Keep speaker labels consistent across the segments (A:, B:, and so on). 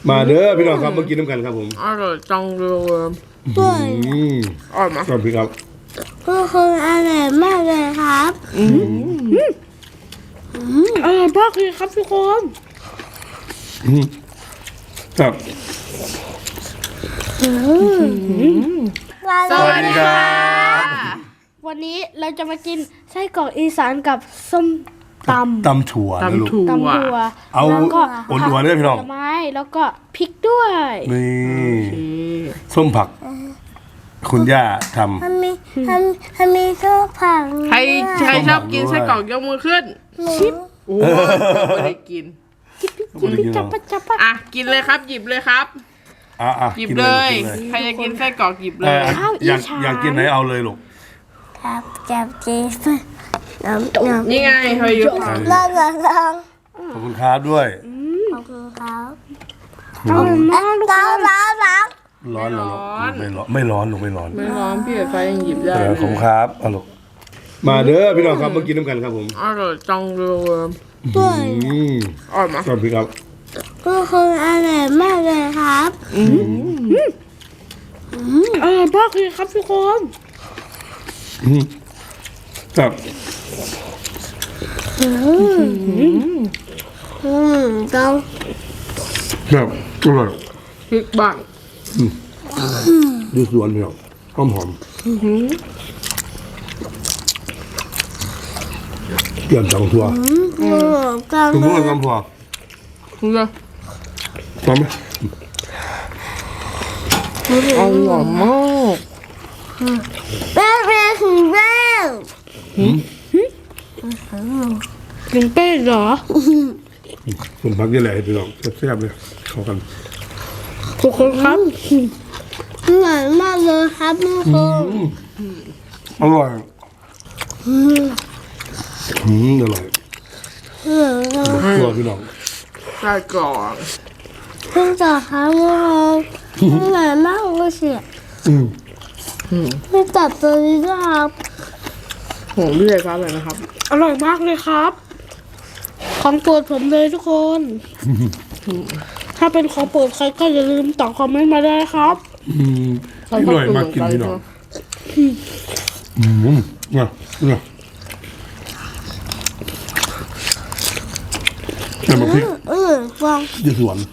A: มาเด้อพี่น้องครับมากินน้ำกันครับผม
B: อร่อยจังเลยอร่อยไหม
A: ครับพี่ครับ
C: ทุกคนอร่อยมากเลยครับ
B: อร่อยมากเลยครับทุกคน
A: ครับ
C: สวัสดีครับ
D: วันนี้เราจะมากินไส้กรอกอีสานกับส้มตำ
A: ถั่วนะลูก
D: ตำถั่ว
A: เอา
D: แล้วก็
A: อ่อนๆด้วยพี่น้อง
D: ผลไม้แล้วก็พริกด้วย
A: นี่ส้มผักคุณย่าทำ
C: มันมีข้าวผัง
B: ใครชอบกินไส้กรอกยกมือขึ้นชิปโอ้ไม่ได้กิน
D: จับปะ
B: อ่ะกินเลยครับหยิบเลยครับหยิบเลยใครจะกินไส้กรอกหยิบเลย
A: อยากกินไหนเอาเลยลูก
C: ครับจับจี
B: นี่ไงเฮ้ยยุ
C: ลอง
A: ขอบคุณครับด้วย
C: ขอบคุณครับ
D: ร้อน
A: ไม่ร้อนลูกไม่ร้อน
B: พี่ไฟยังหยิบได้
A: ขอบคุณครับเอาลูกมาเด้อพี่น้องครับมากินน้ำกันครับผม
B: อร่อยจังเลย
C: อร่
B: อยไหม
A: ครับพี่ครับ
C: ทุกคนอร่อยมากเลยครับ
D: อร่อยมากเลยครับทุกคน
A: ครับ
C: ต้อง
A: ครับอร่อย
B: พริกบ้าง
A: ดูสวนพี่น้องหอมเกี่ยมจังทัวคุณรู้อะไรกันพอ
B: คุณจะ
A: พอไหม
B: อร่อยมาก
C: แป้งถึงแป้ง
D: กินเป้เหรอ
A: ผมพักยี่แหล่พี่น้องแซ่บๆเลยเข้ากัน
D: ทุกคนครับ
C: อร่อยมากเลยครับทุกคน
A: อร่อยอร่อยตัวพี่น้อง
B: ไส้กรอก
C: เพิ่งจะทำมาอร่อยมากเลยสิไม่ตัดตัวนี้นะครับ
B: โหเรื่อยครับเลยนะครับ
D: อร่อยมากเลยครับของโปรดผมเลยทุกคนถ้าเป็นของโปรดใครก็อย่าลืมตอบคอมเมนต์มาได้ครับ
A: อร่อยมากกินพี่น้องเนี่ยแต่มาพริก
C: ฟัง
A: ยืดสวน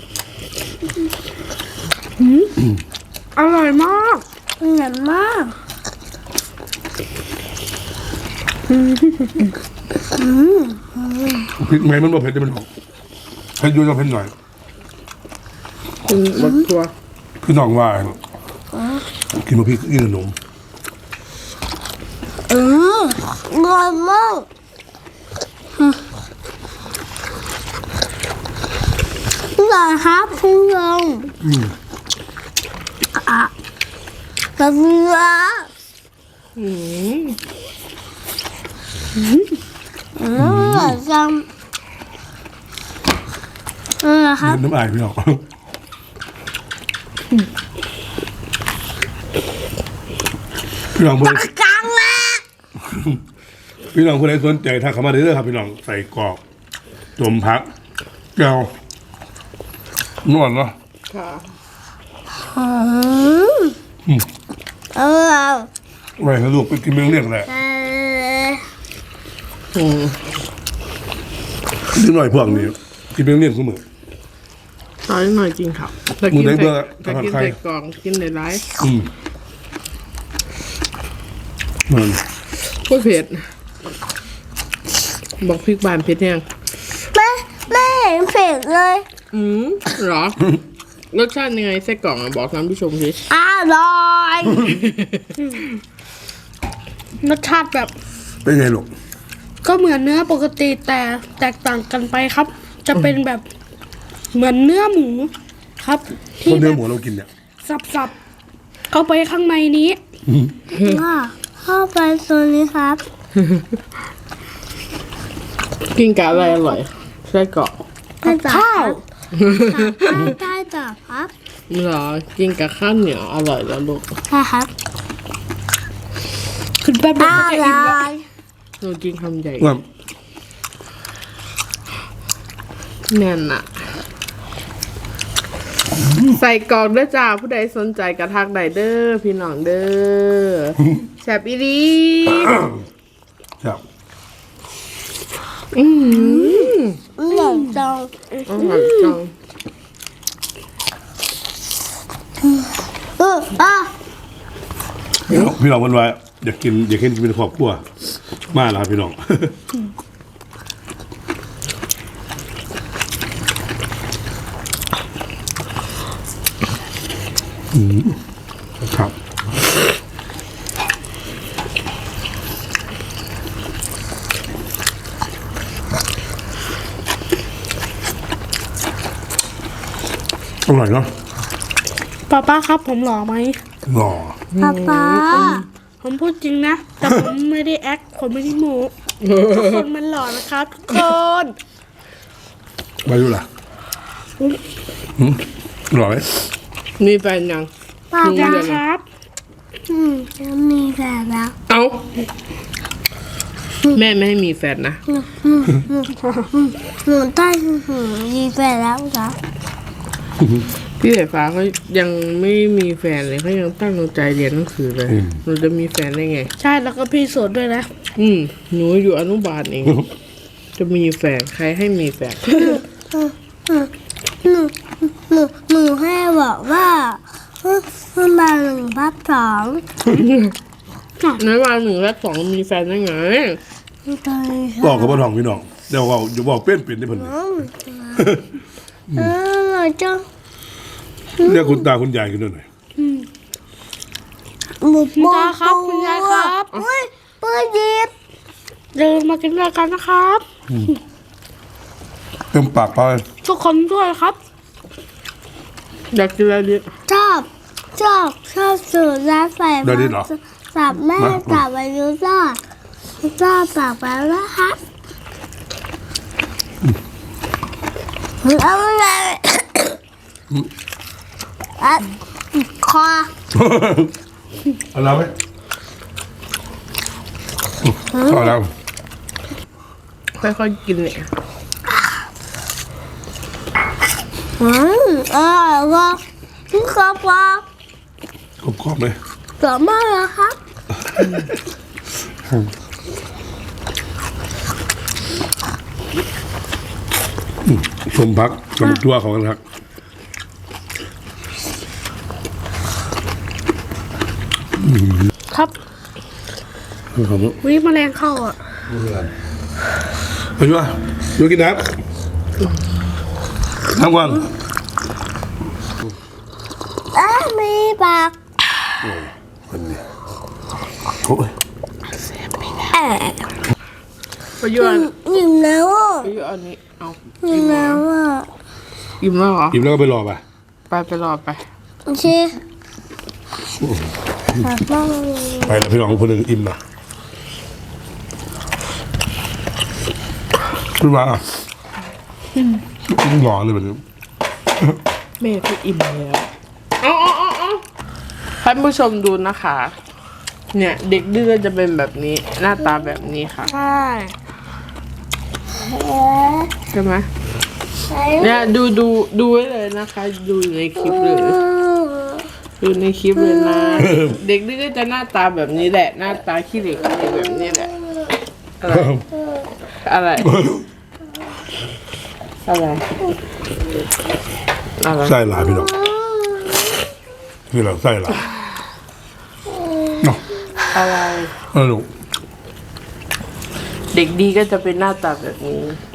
D: อร่อยมาก
C: อร่อยมาก
A: พริกไหมมันบ่เผ็ดจะเป็นของเผ็ดอยู่จะเผ็ดหน่อย
B: บักตัว
A: พี่น้องว่ากินมาพริกกินขนม
C: อร่อยมากอร่อยครับคุณลุงกาแฟอร่อยจังครับ
A: น้ำอายพี่น้องพี่น้องเพื่อน
C: กลางละ
A: พี่น้องคนไหนสนใจถ้าเข้ามาได้เลยครับพี่น้องใส่กรอกจมพักแก้วนวดเนาะ
B: ค่ะ
A: ไว้ให้ลูกไปกินเรื่องแหละนิดหน่อยพวกนี้กินเรื่องเสมอ
B: ตอนนี้หน่อยจริงครับแต่กินใส่กล่องกินในไลฟ์ก็เผ็ดบอกพริกบานเผ็ดยัง
C: ไม่เห็นเผ็ดเลย
B: หรอรสชาติยังไงไส้กรอกบอกท่านผู้ชมสิ
C: อร่อย
D: รสชาติแบบ
A: เป็นไงลูก
D: ก็เหมือนเนื้อปกติแต่แตกต่างกันไปครับจะเป็นแบบเหมือนเนื้อหมูครับ
A: ที่เนื้อหมูเรากินเนี่ย
D: สับเข้าไปข้างในนี้
C: เข้าไปโซนนี้ครับ
B: กินกับอะไรอร่อยไส้กรอก
D: ข้าว
C: ได้จ้ะครับ
B: เหรอกินกับข้าวเหนียวอร่อยแล้วลูก
C: ใช่ครับ
D: ขึ้นแป๊บเดียวจะอิ่มแล้ว
B: หนูกินคำใหญ่แน่นอะใส่กรอกเด้อจ้าผู้ใดสนใจกระทักใดเด้อพี่น้องเด้อแซ่บอีหลี
A: ครับ
C: หนังจัง
B: อร่อยจัง
A: พี่น้องวันวายอยากกินเป็นครอบครัวมาแล้วครับพี่น้องครับ อร่อยเนาะ
D: ป้าครับผมหล่อไหม
A: หล่อ
C: ป๊า
D: ผมพูดจริงนะ แต่ผมไม่ได้แอคผมไม่ได้โม้ทุกคนมันหล่อนะครับทุกคน
A: มาดูล่ะหล่อไหม
B: มีแฟนยัง
C: ป๊า
D: ยัง
C: ป๊า
D: ครับ
C: จะมีแฟนแล้ว
B: เอ้าแม่ไม่ให้มีแฟนนะ
C: หนูได้มีแฟนแล้วจ้ะ
B: พี่สายฟ้าเขายังไม่มีแฟนเลยเขายังตั้งใจเรียนหนังสือเลยหนูจะมีแฟนได้ไง
D: ใช่แล้วก็พี่โสดด้วยนะ
B: หนูอยู่อนุบาลเอง จะมีแฟนใครให้มีแฟน
C: หนูให้บอกว่ามา1/2
B: ในวันหนึ่งและสองมีแฟนได้ไง
A: บอกกับพ่อทองพี่น้องเดี๋ยวว่าจะบอกเป็นที่เพิ่น
C: จะ
A: เรียกคุณตาคุณยายกันด้วยหน่อย
D: คุณตาครับคุณยายครับ
C: เฮ้ยปืนยิบ
D: เดินมากินด้วยกันนะครับ
A: เต็มปากไป
D: ทุกคนด้วยครับ
B: อยากกินอะไรดี
C: ชอบสูตรร้านไฟสับแม่สับอายุรอดปากไปแล้วครับเอาอะไรคอ
A: เอาแล้วไหมพอแล้ว
B: ค่อยๆกินเนี่ย
C: อร่อยว่ะพี่ครับว่ะ
A: กรอบๆเลย
C: สวยมากเลยครับ
A: สมพักสมตัวของกันครับ
D: ครับ
A: ขอบคุณ
D: วิแมลงเข้าอ่ะ
A: ไปช่วยดูกินน้ำก่อน
C: มีปาก
A: คนนี้โอ้ย
B: ไปอยู่อัน
C: อิ่มแล้วอ่ะ
B: ไปอยู่อันนี้เอา
C: อิ่มแล้วอ่ะ
B: อิ่มแล้วเหรอ
A: อิ่มแล้วก็ไปรอไป
B: ไปรอไป
C: โอเคขอบคุณ
A: ไปแล้วพี่น้องคนหนึ่งอิ่มนะขึ้นมาอ่ะหล่อเลยแบบนี้
B: แม่ก็อิ่มแล้วเอาท่านผู้ชมดูนะคะ เนี่ยเด็กดื้อจะเป็นแบบนี้ หน้าตาแบบนี้ค่ะ
D: ใช่
B: ใช่ไหมเนี่ยดูไว้เลยนะคะ ดูอยู่ในคลิปเลย ดูในคลิปเลยนะ เด็กดื้อจะหน้าตาแบบนี้แหละ หน้าตาขี้เหล็กแบบนี้แหละ อะไร อะไร
A: ไส้หลายพี่น้องพี่น้องไส้หลายเนาะ
B: อะไร
A: ลูก
B: เด็กดีก็จะเป็นหน้าตาแบบนี้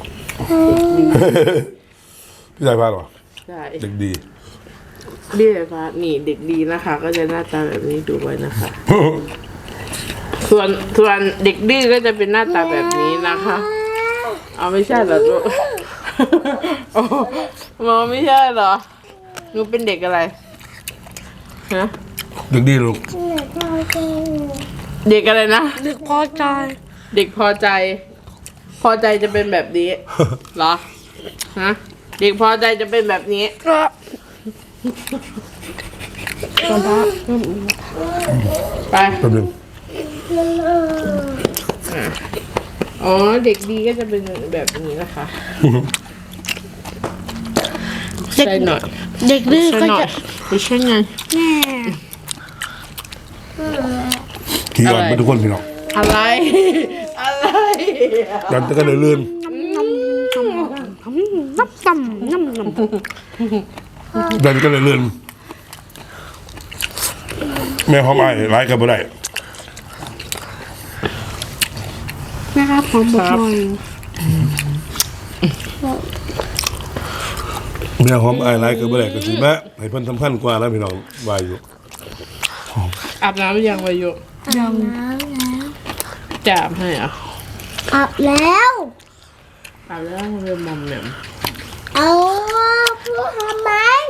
A: พี่ชายพาหรอ
B: ใช่
A: เด็กดี
B: เบี้ยฟ้านี่เด็กดีนะคะ ก็จะหน้าตาแบบนี้ดูไว้นะคะ ส่วนเด็กดื้อก็จะเป็นหน้าตาแบบนี้นะคะ เอาไม่ใช่เหรอลูก โอ้มองไม่ใช่เหรอหนูเป็นเด็กอะไรฮะ
A: เด็กดีลูก
B: เด็กอะไรนะ
D: นึกพอใจ
B: เด็กพอใจ พอใจจะเป็นแบบนี้ เหรอฮะเด็กพอใจจะเป็นแบบนี้ ไป
A: แป๊บนึง
B: อ๋อเด็กดีก็จะเป็นแบบนี้นะคะใช่หน่อย
D: เด็กดื้อ
B: ใช่
D: ก็
B: หน่อย
D: จะ
B: ไม่ใช่ไง
D: แม่
A: ขี้อ่อนไปทุกคนพี่น้อง
B: อะไร อะไร
A: ดันจะก็เลยลื่น
D: น้ำ
A: ดันก็เลยลื่นแม่หอมไอ้ร้ายกันบ่ได้
D: แม่ครับผมบอกหน่อย
A: แม่หอมไอ้ร้ายกันบ่ได้ก็สิแม่ให้เพิ่นสำคัญกว่าแล้วพี่น้องวายอยู่
B: อาบน้ำหรือยังวายุ
C: อาบน้ำแล้ว
B: จะอาบให้เหรอ่ะ
C: อาบแล้ว
B: อาบแล้วเริ่มมอมเนี่ย
C: เอาพูดทำไม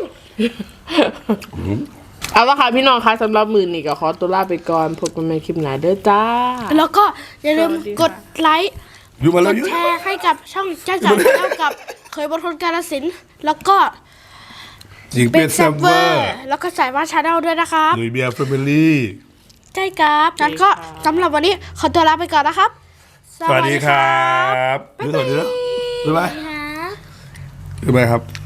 B: เอาละค่ะพี่น้องคะสำหรับมือนี่ก็ขอตัวลาไปก่อนพบกันใหม่คลิปหน้าเด้อจ้า
D: แล้วก็อย่าลืมกดไลค์
A: อยู่มาก แล้ว
D: ด
A: อยู่
D: แชร์ให้กับช่องจ้าจ๋าชาแนลกับเคยบนทนกาลสินธุ์แล้วก็
A: จิงเป็ดแซมเวอร์
D: แล้วก็สายว่าชาแนลด้วยนะครับ
A: หนุ่ยเบียร์แฟมิลี่
D: ใช่ครับงั้นก็สำหรับวันนี้ขอตัวลาไปก่อนนะครับ
A: สวัสดีครับสวัสดีนะบ๊ายบาย
C: คะ
A: บ๊ายบายครับ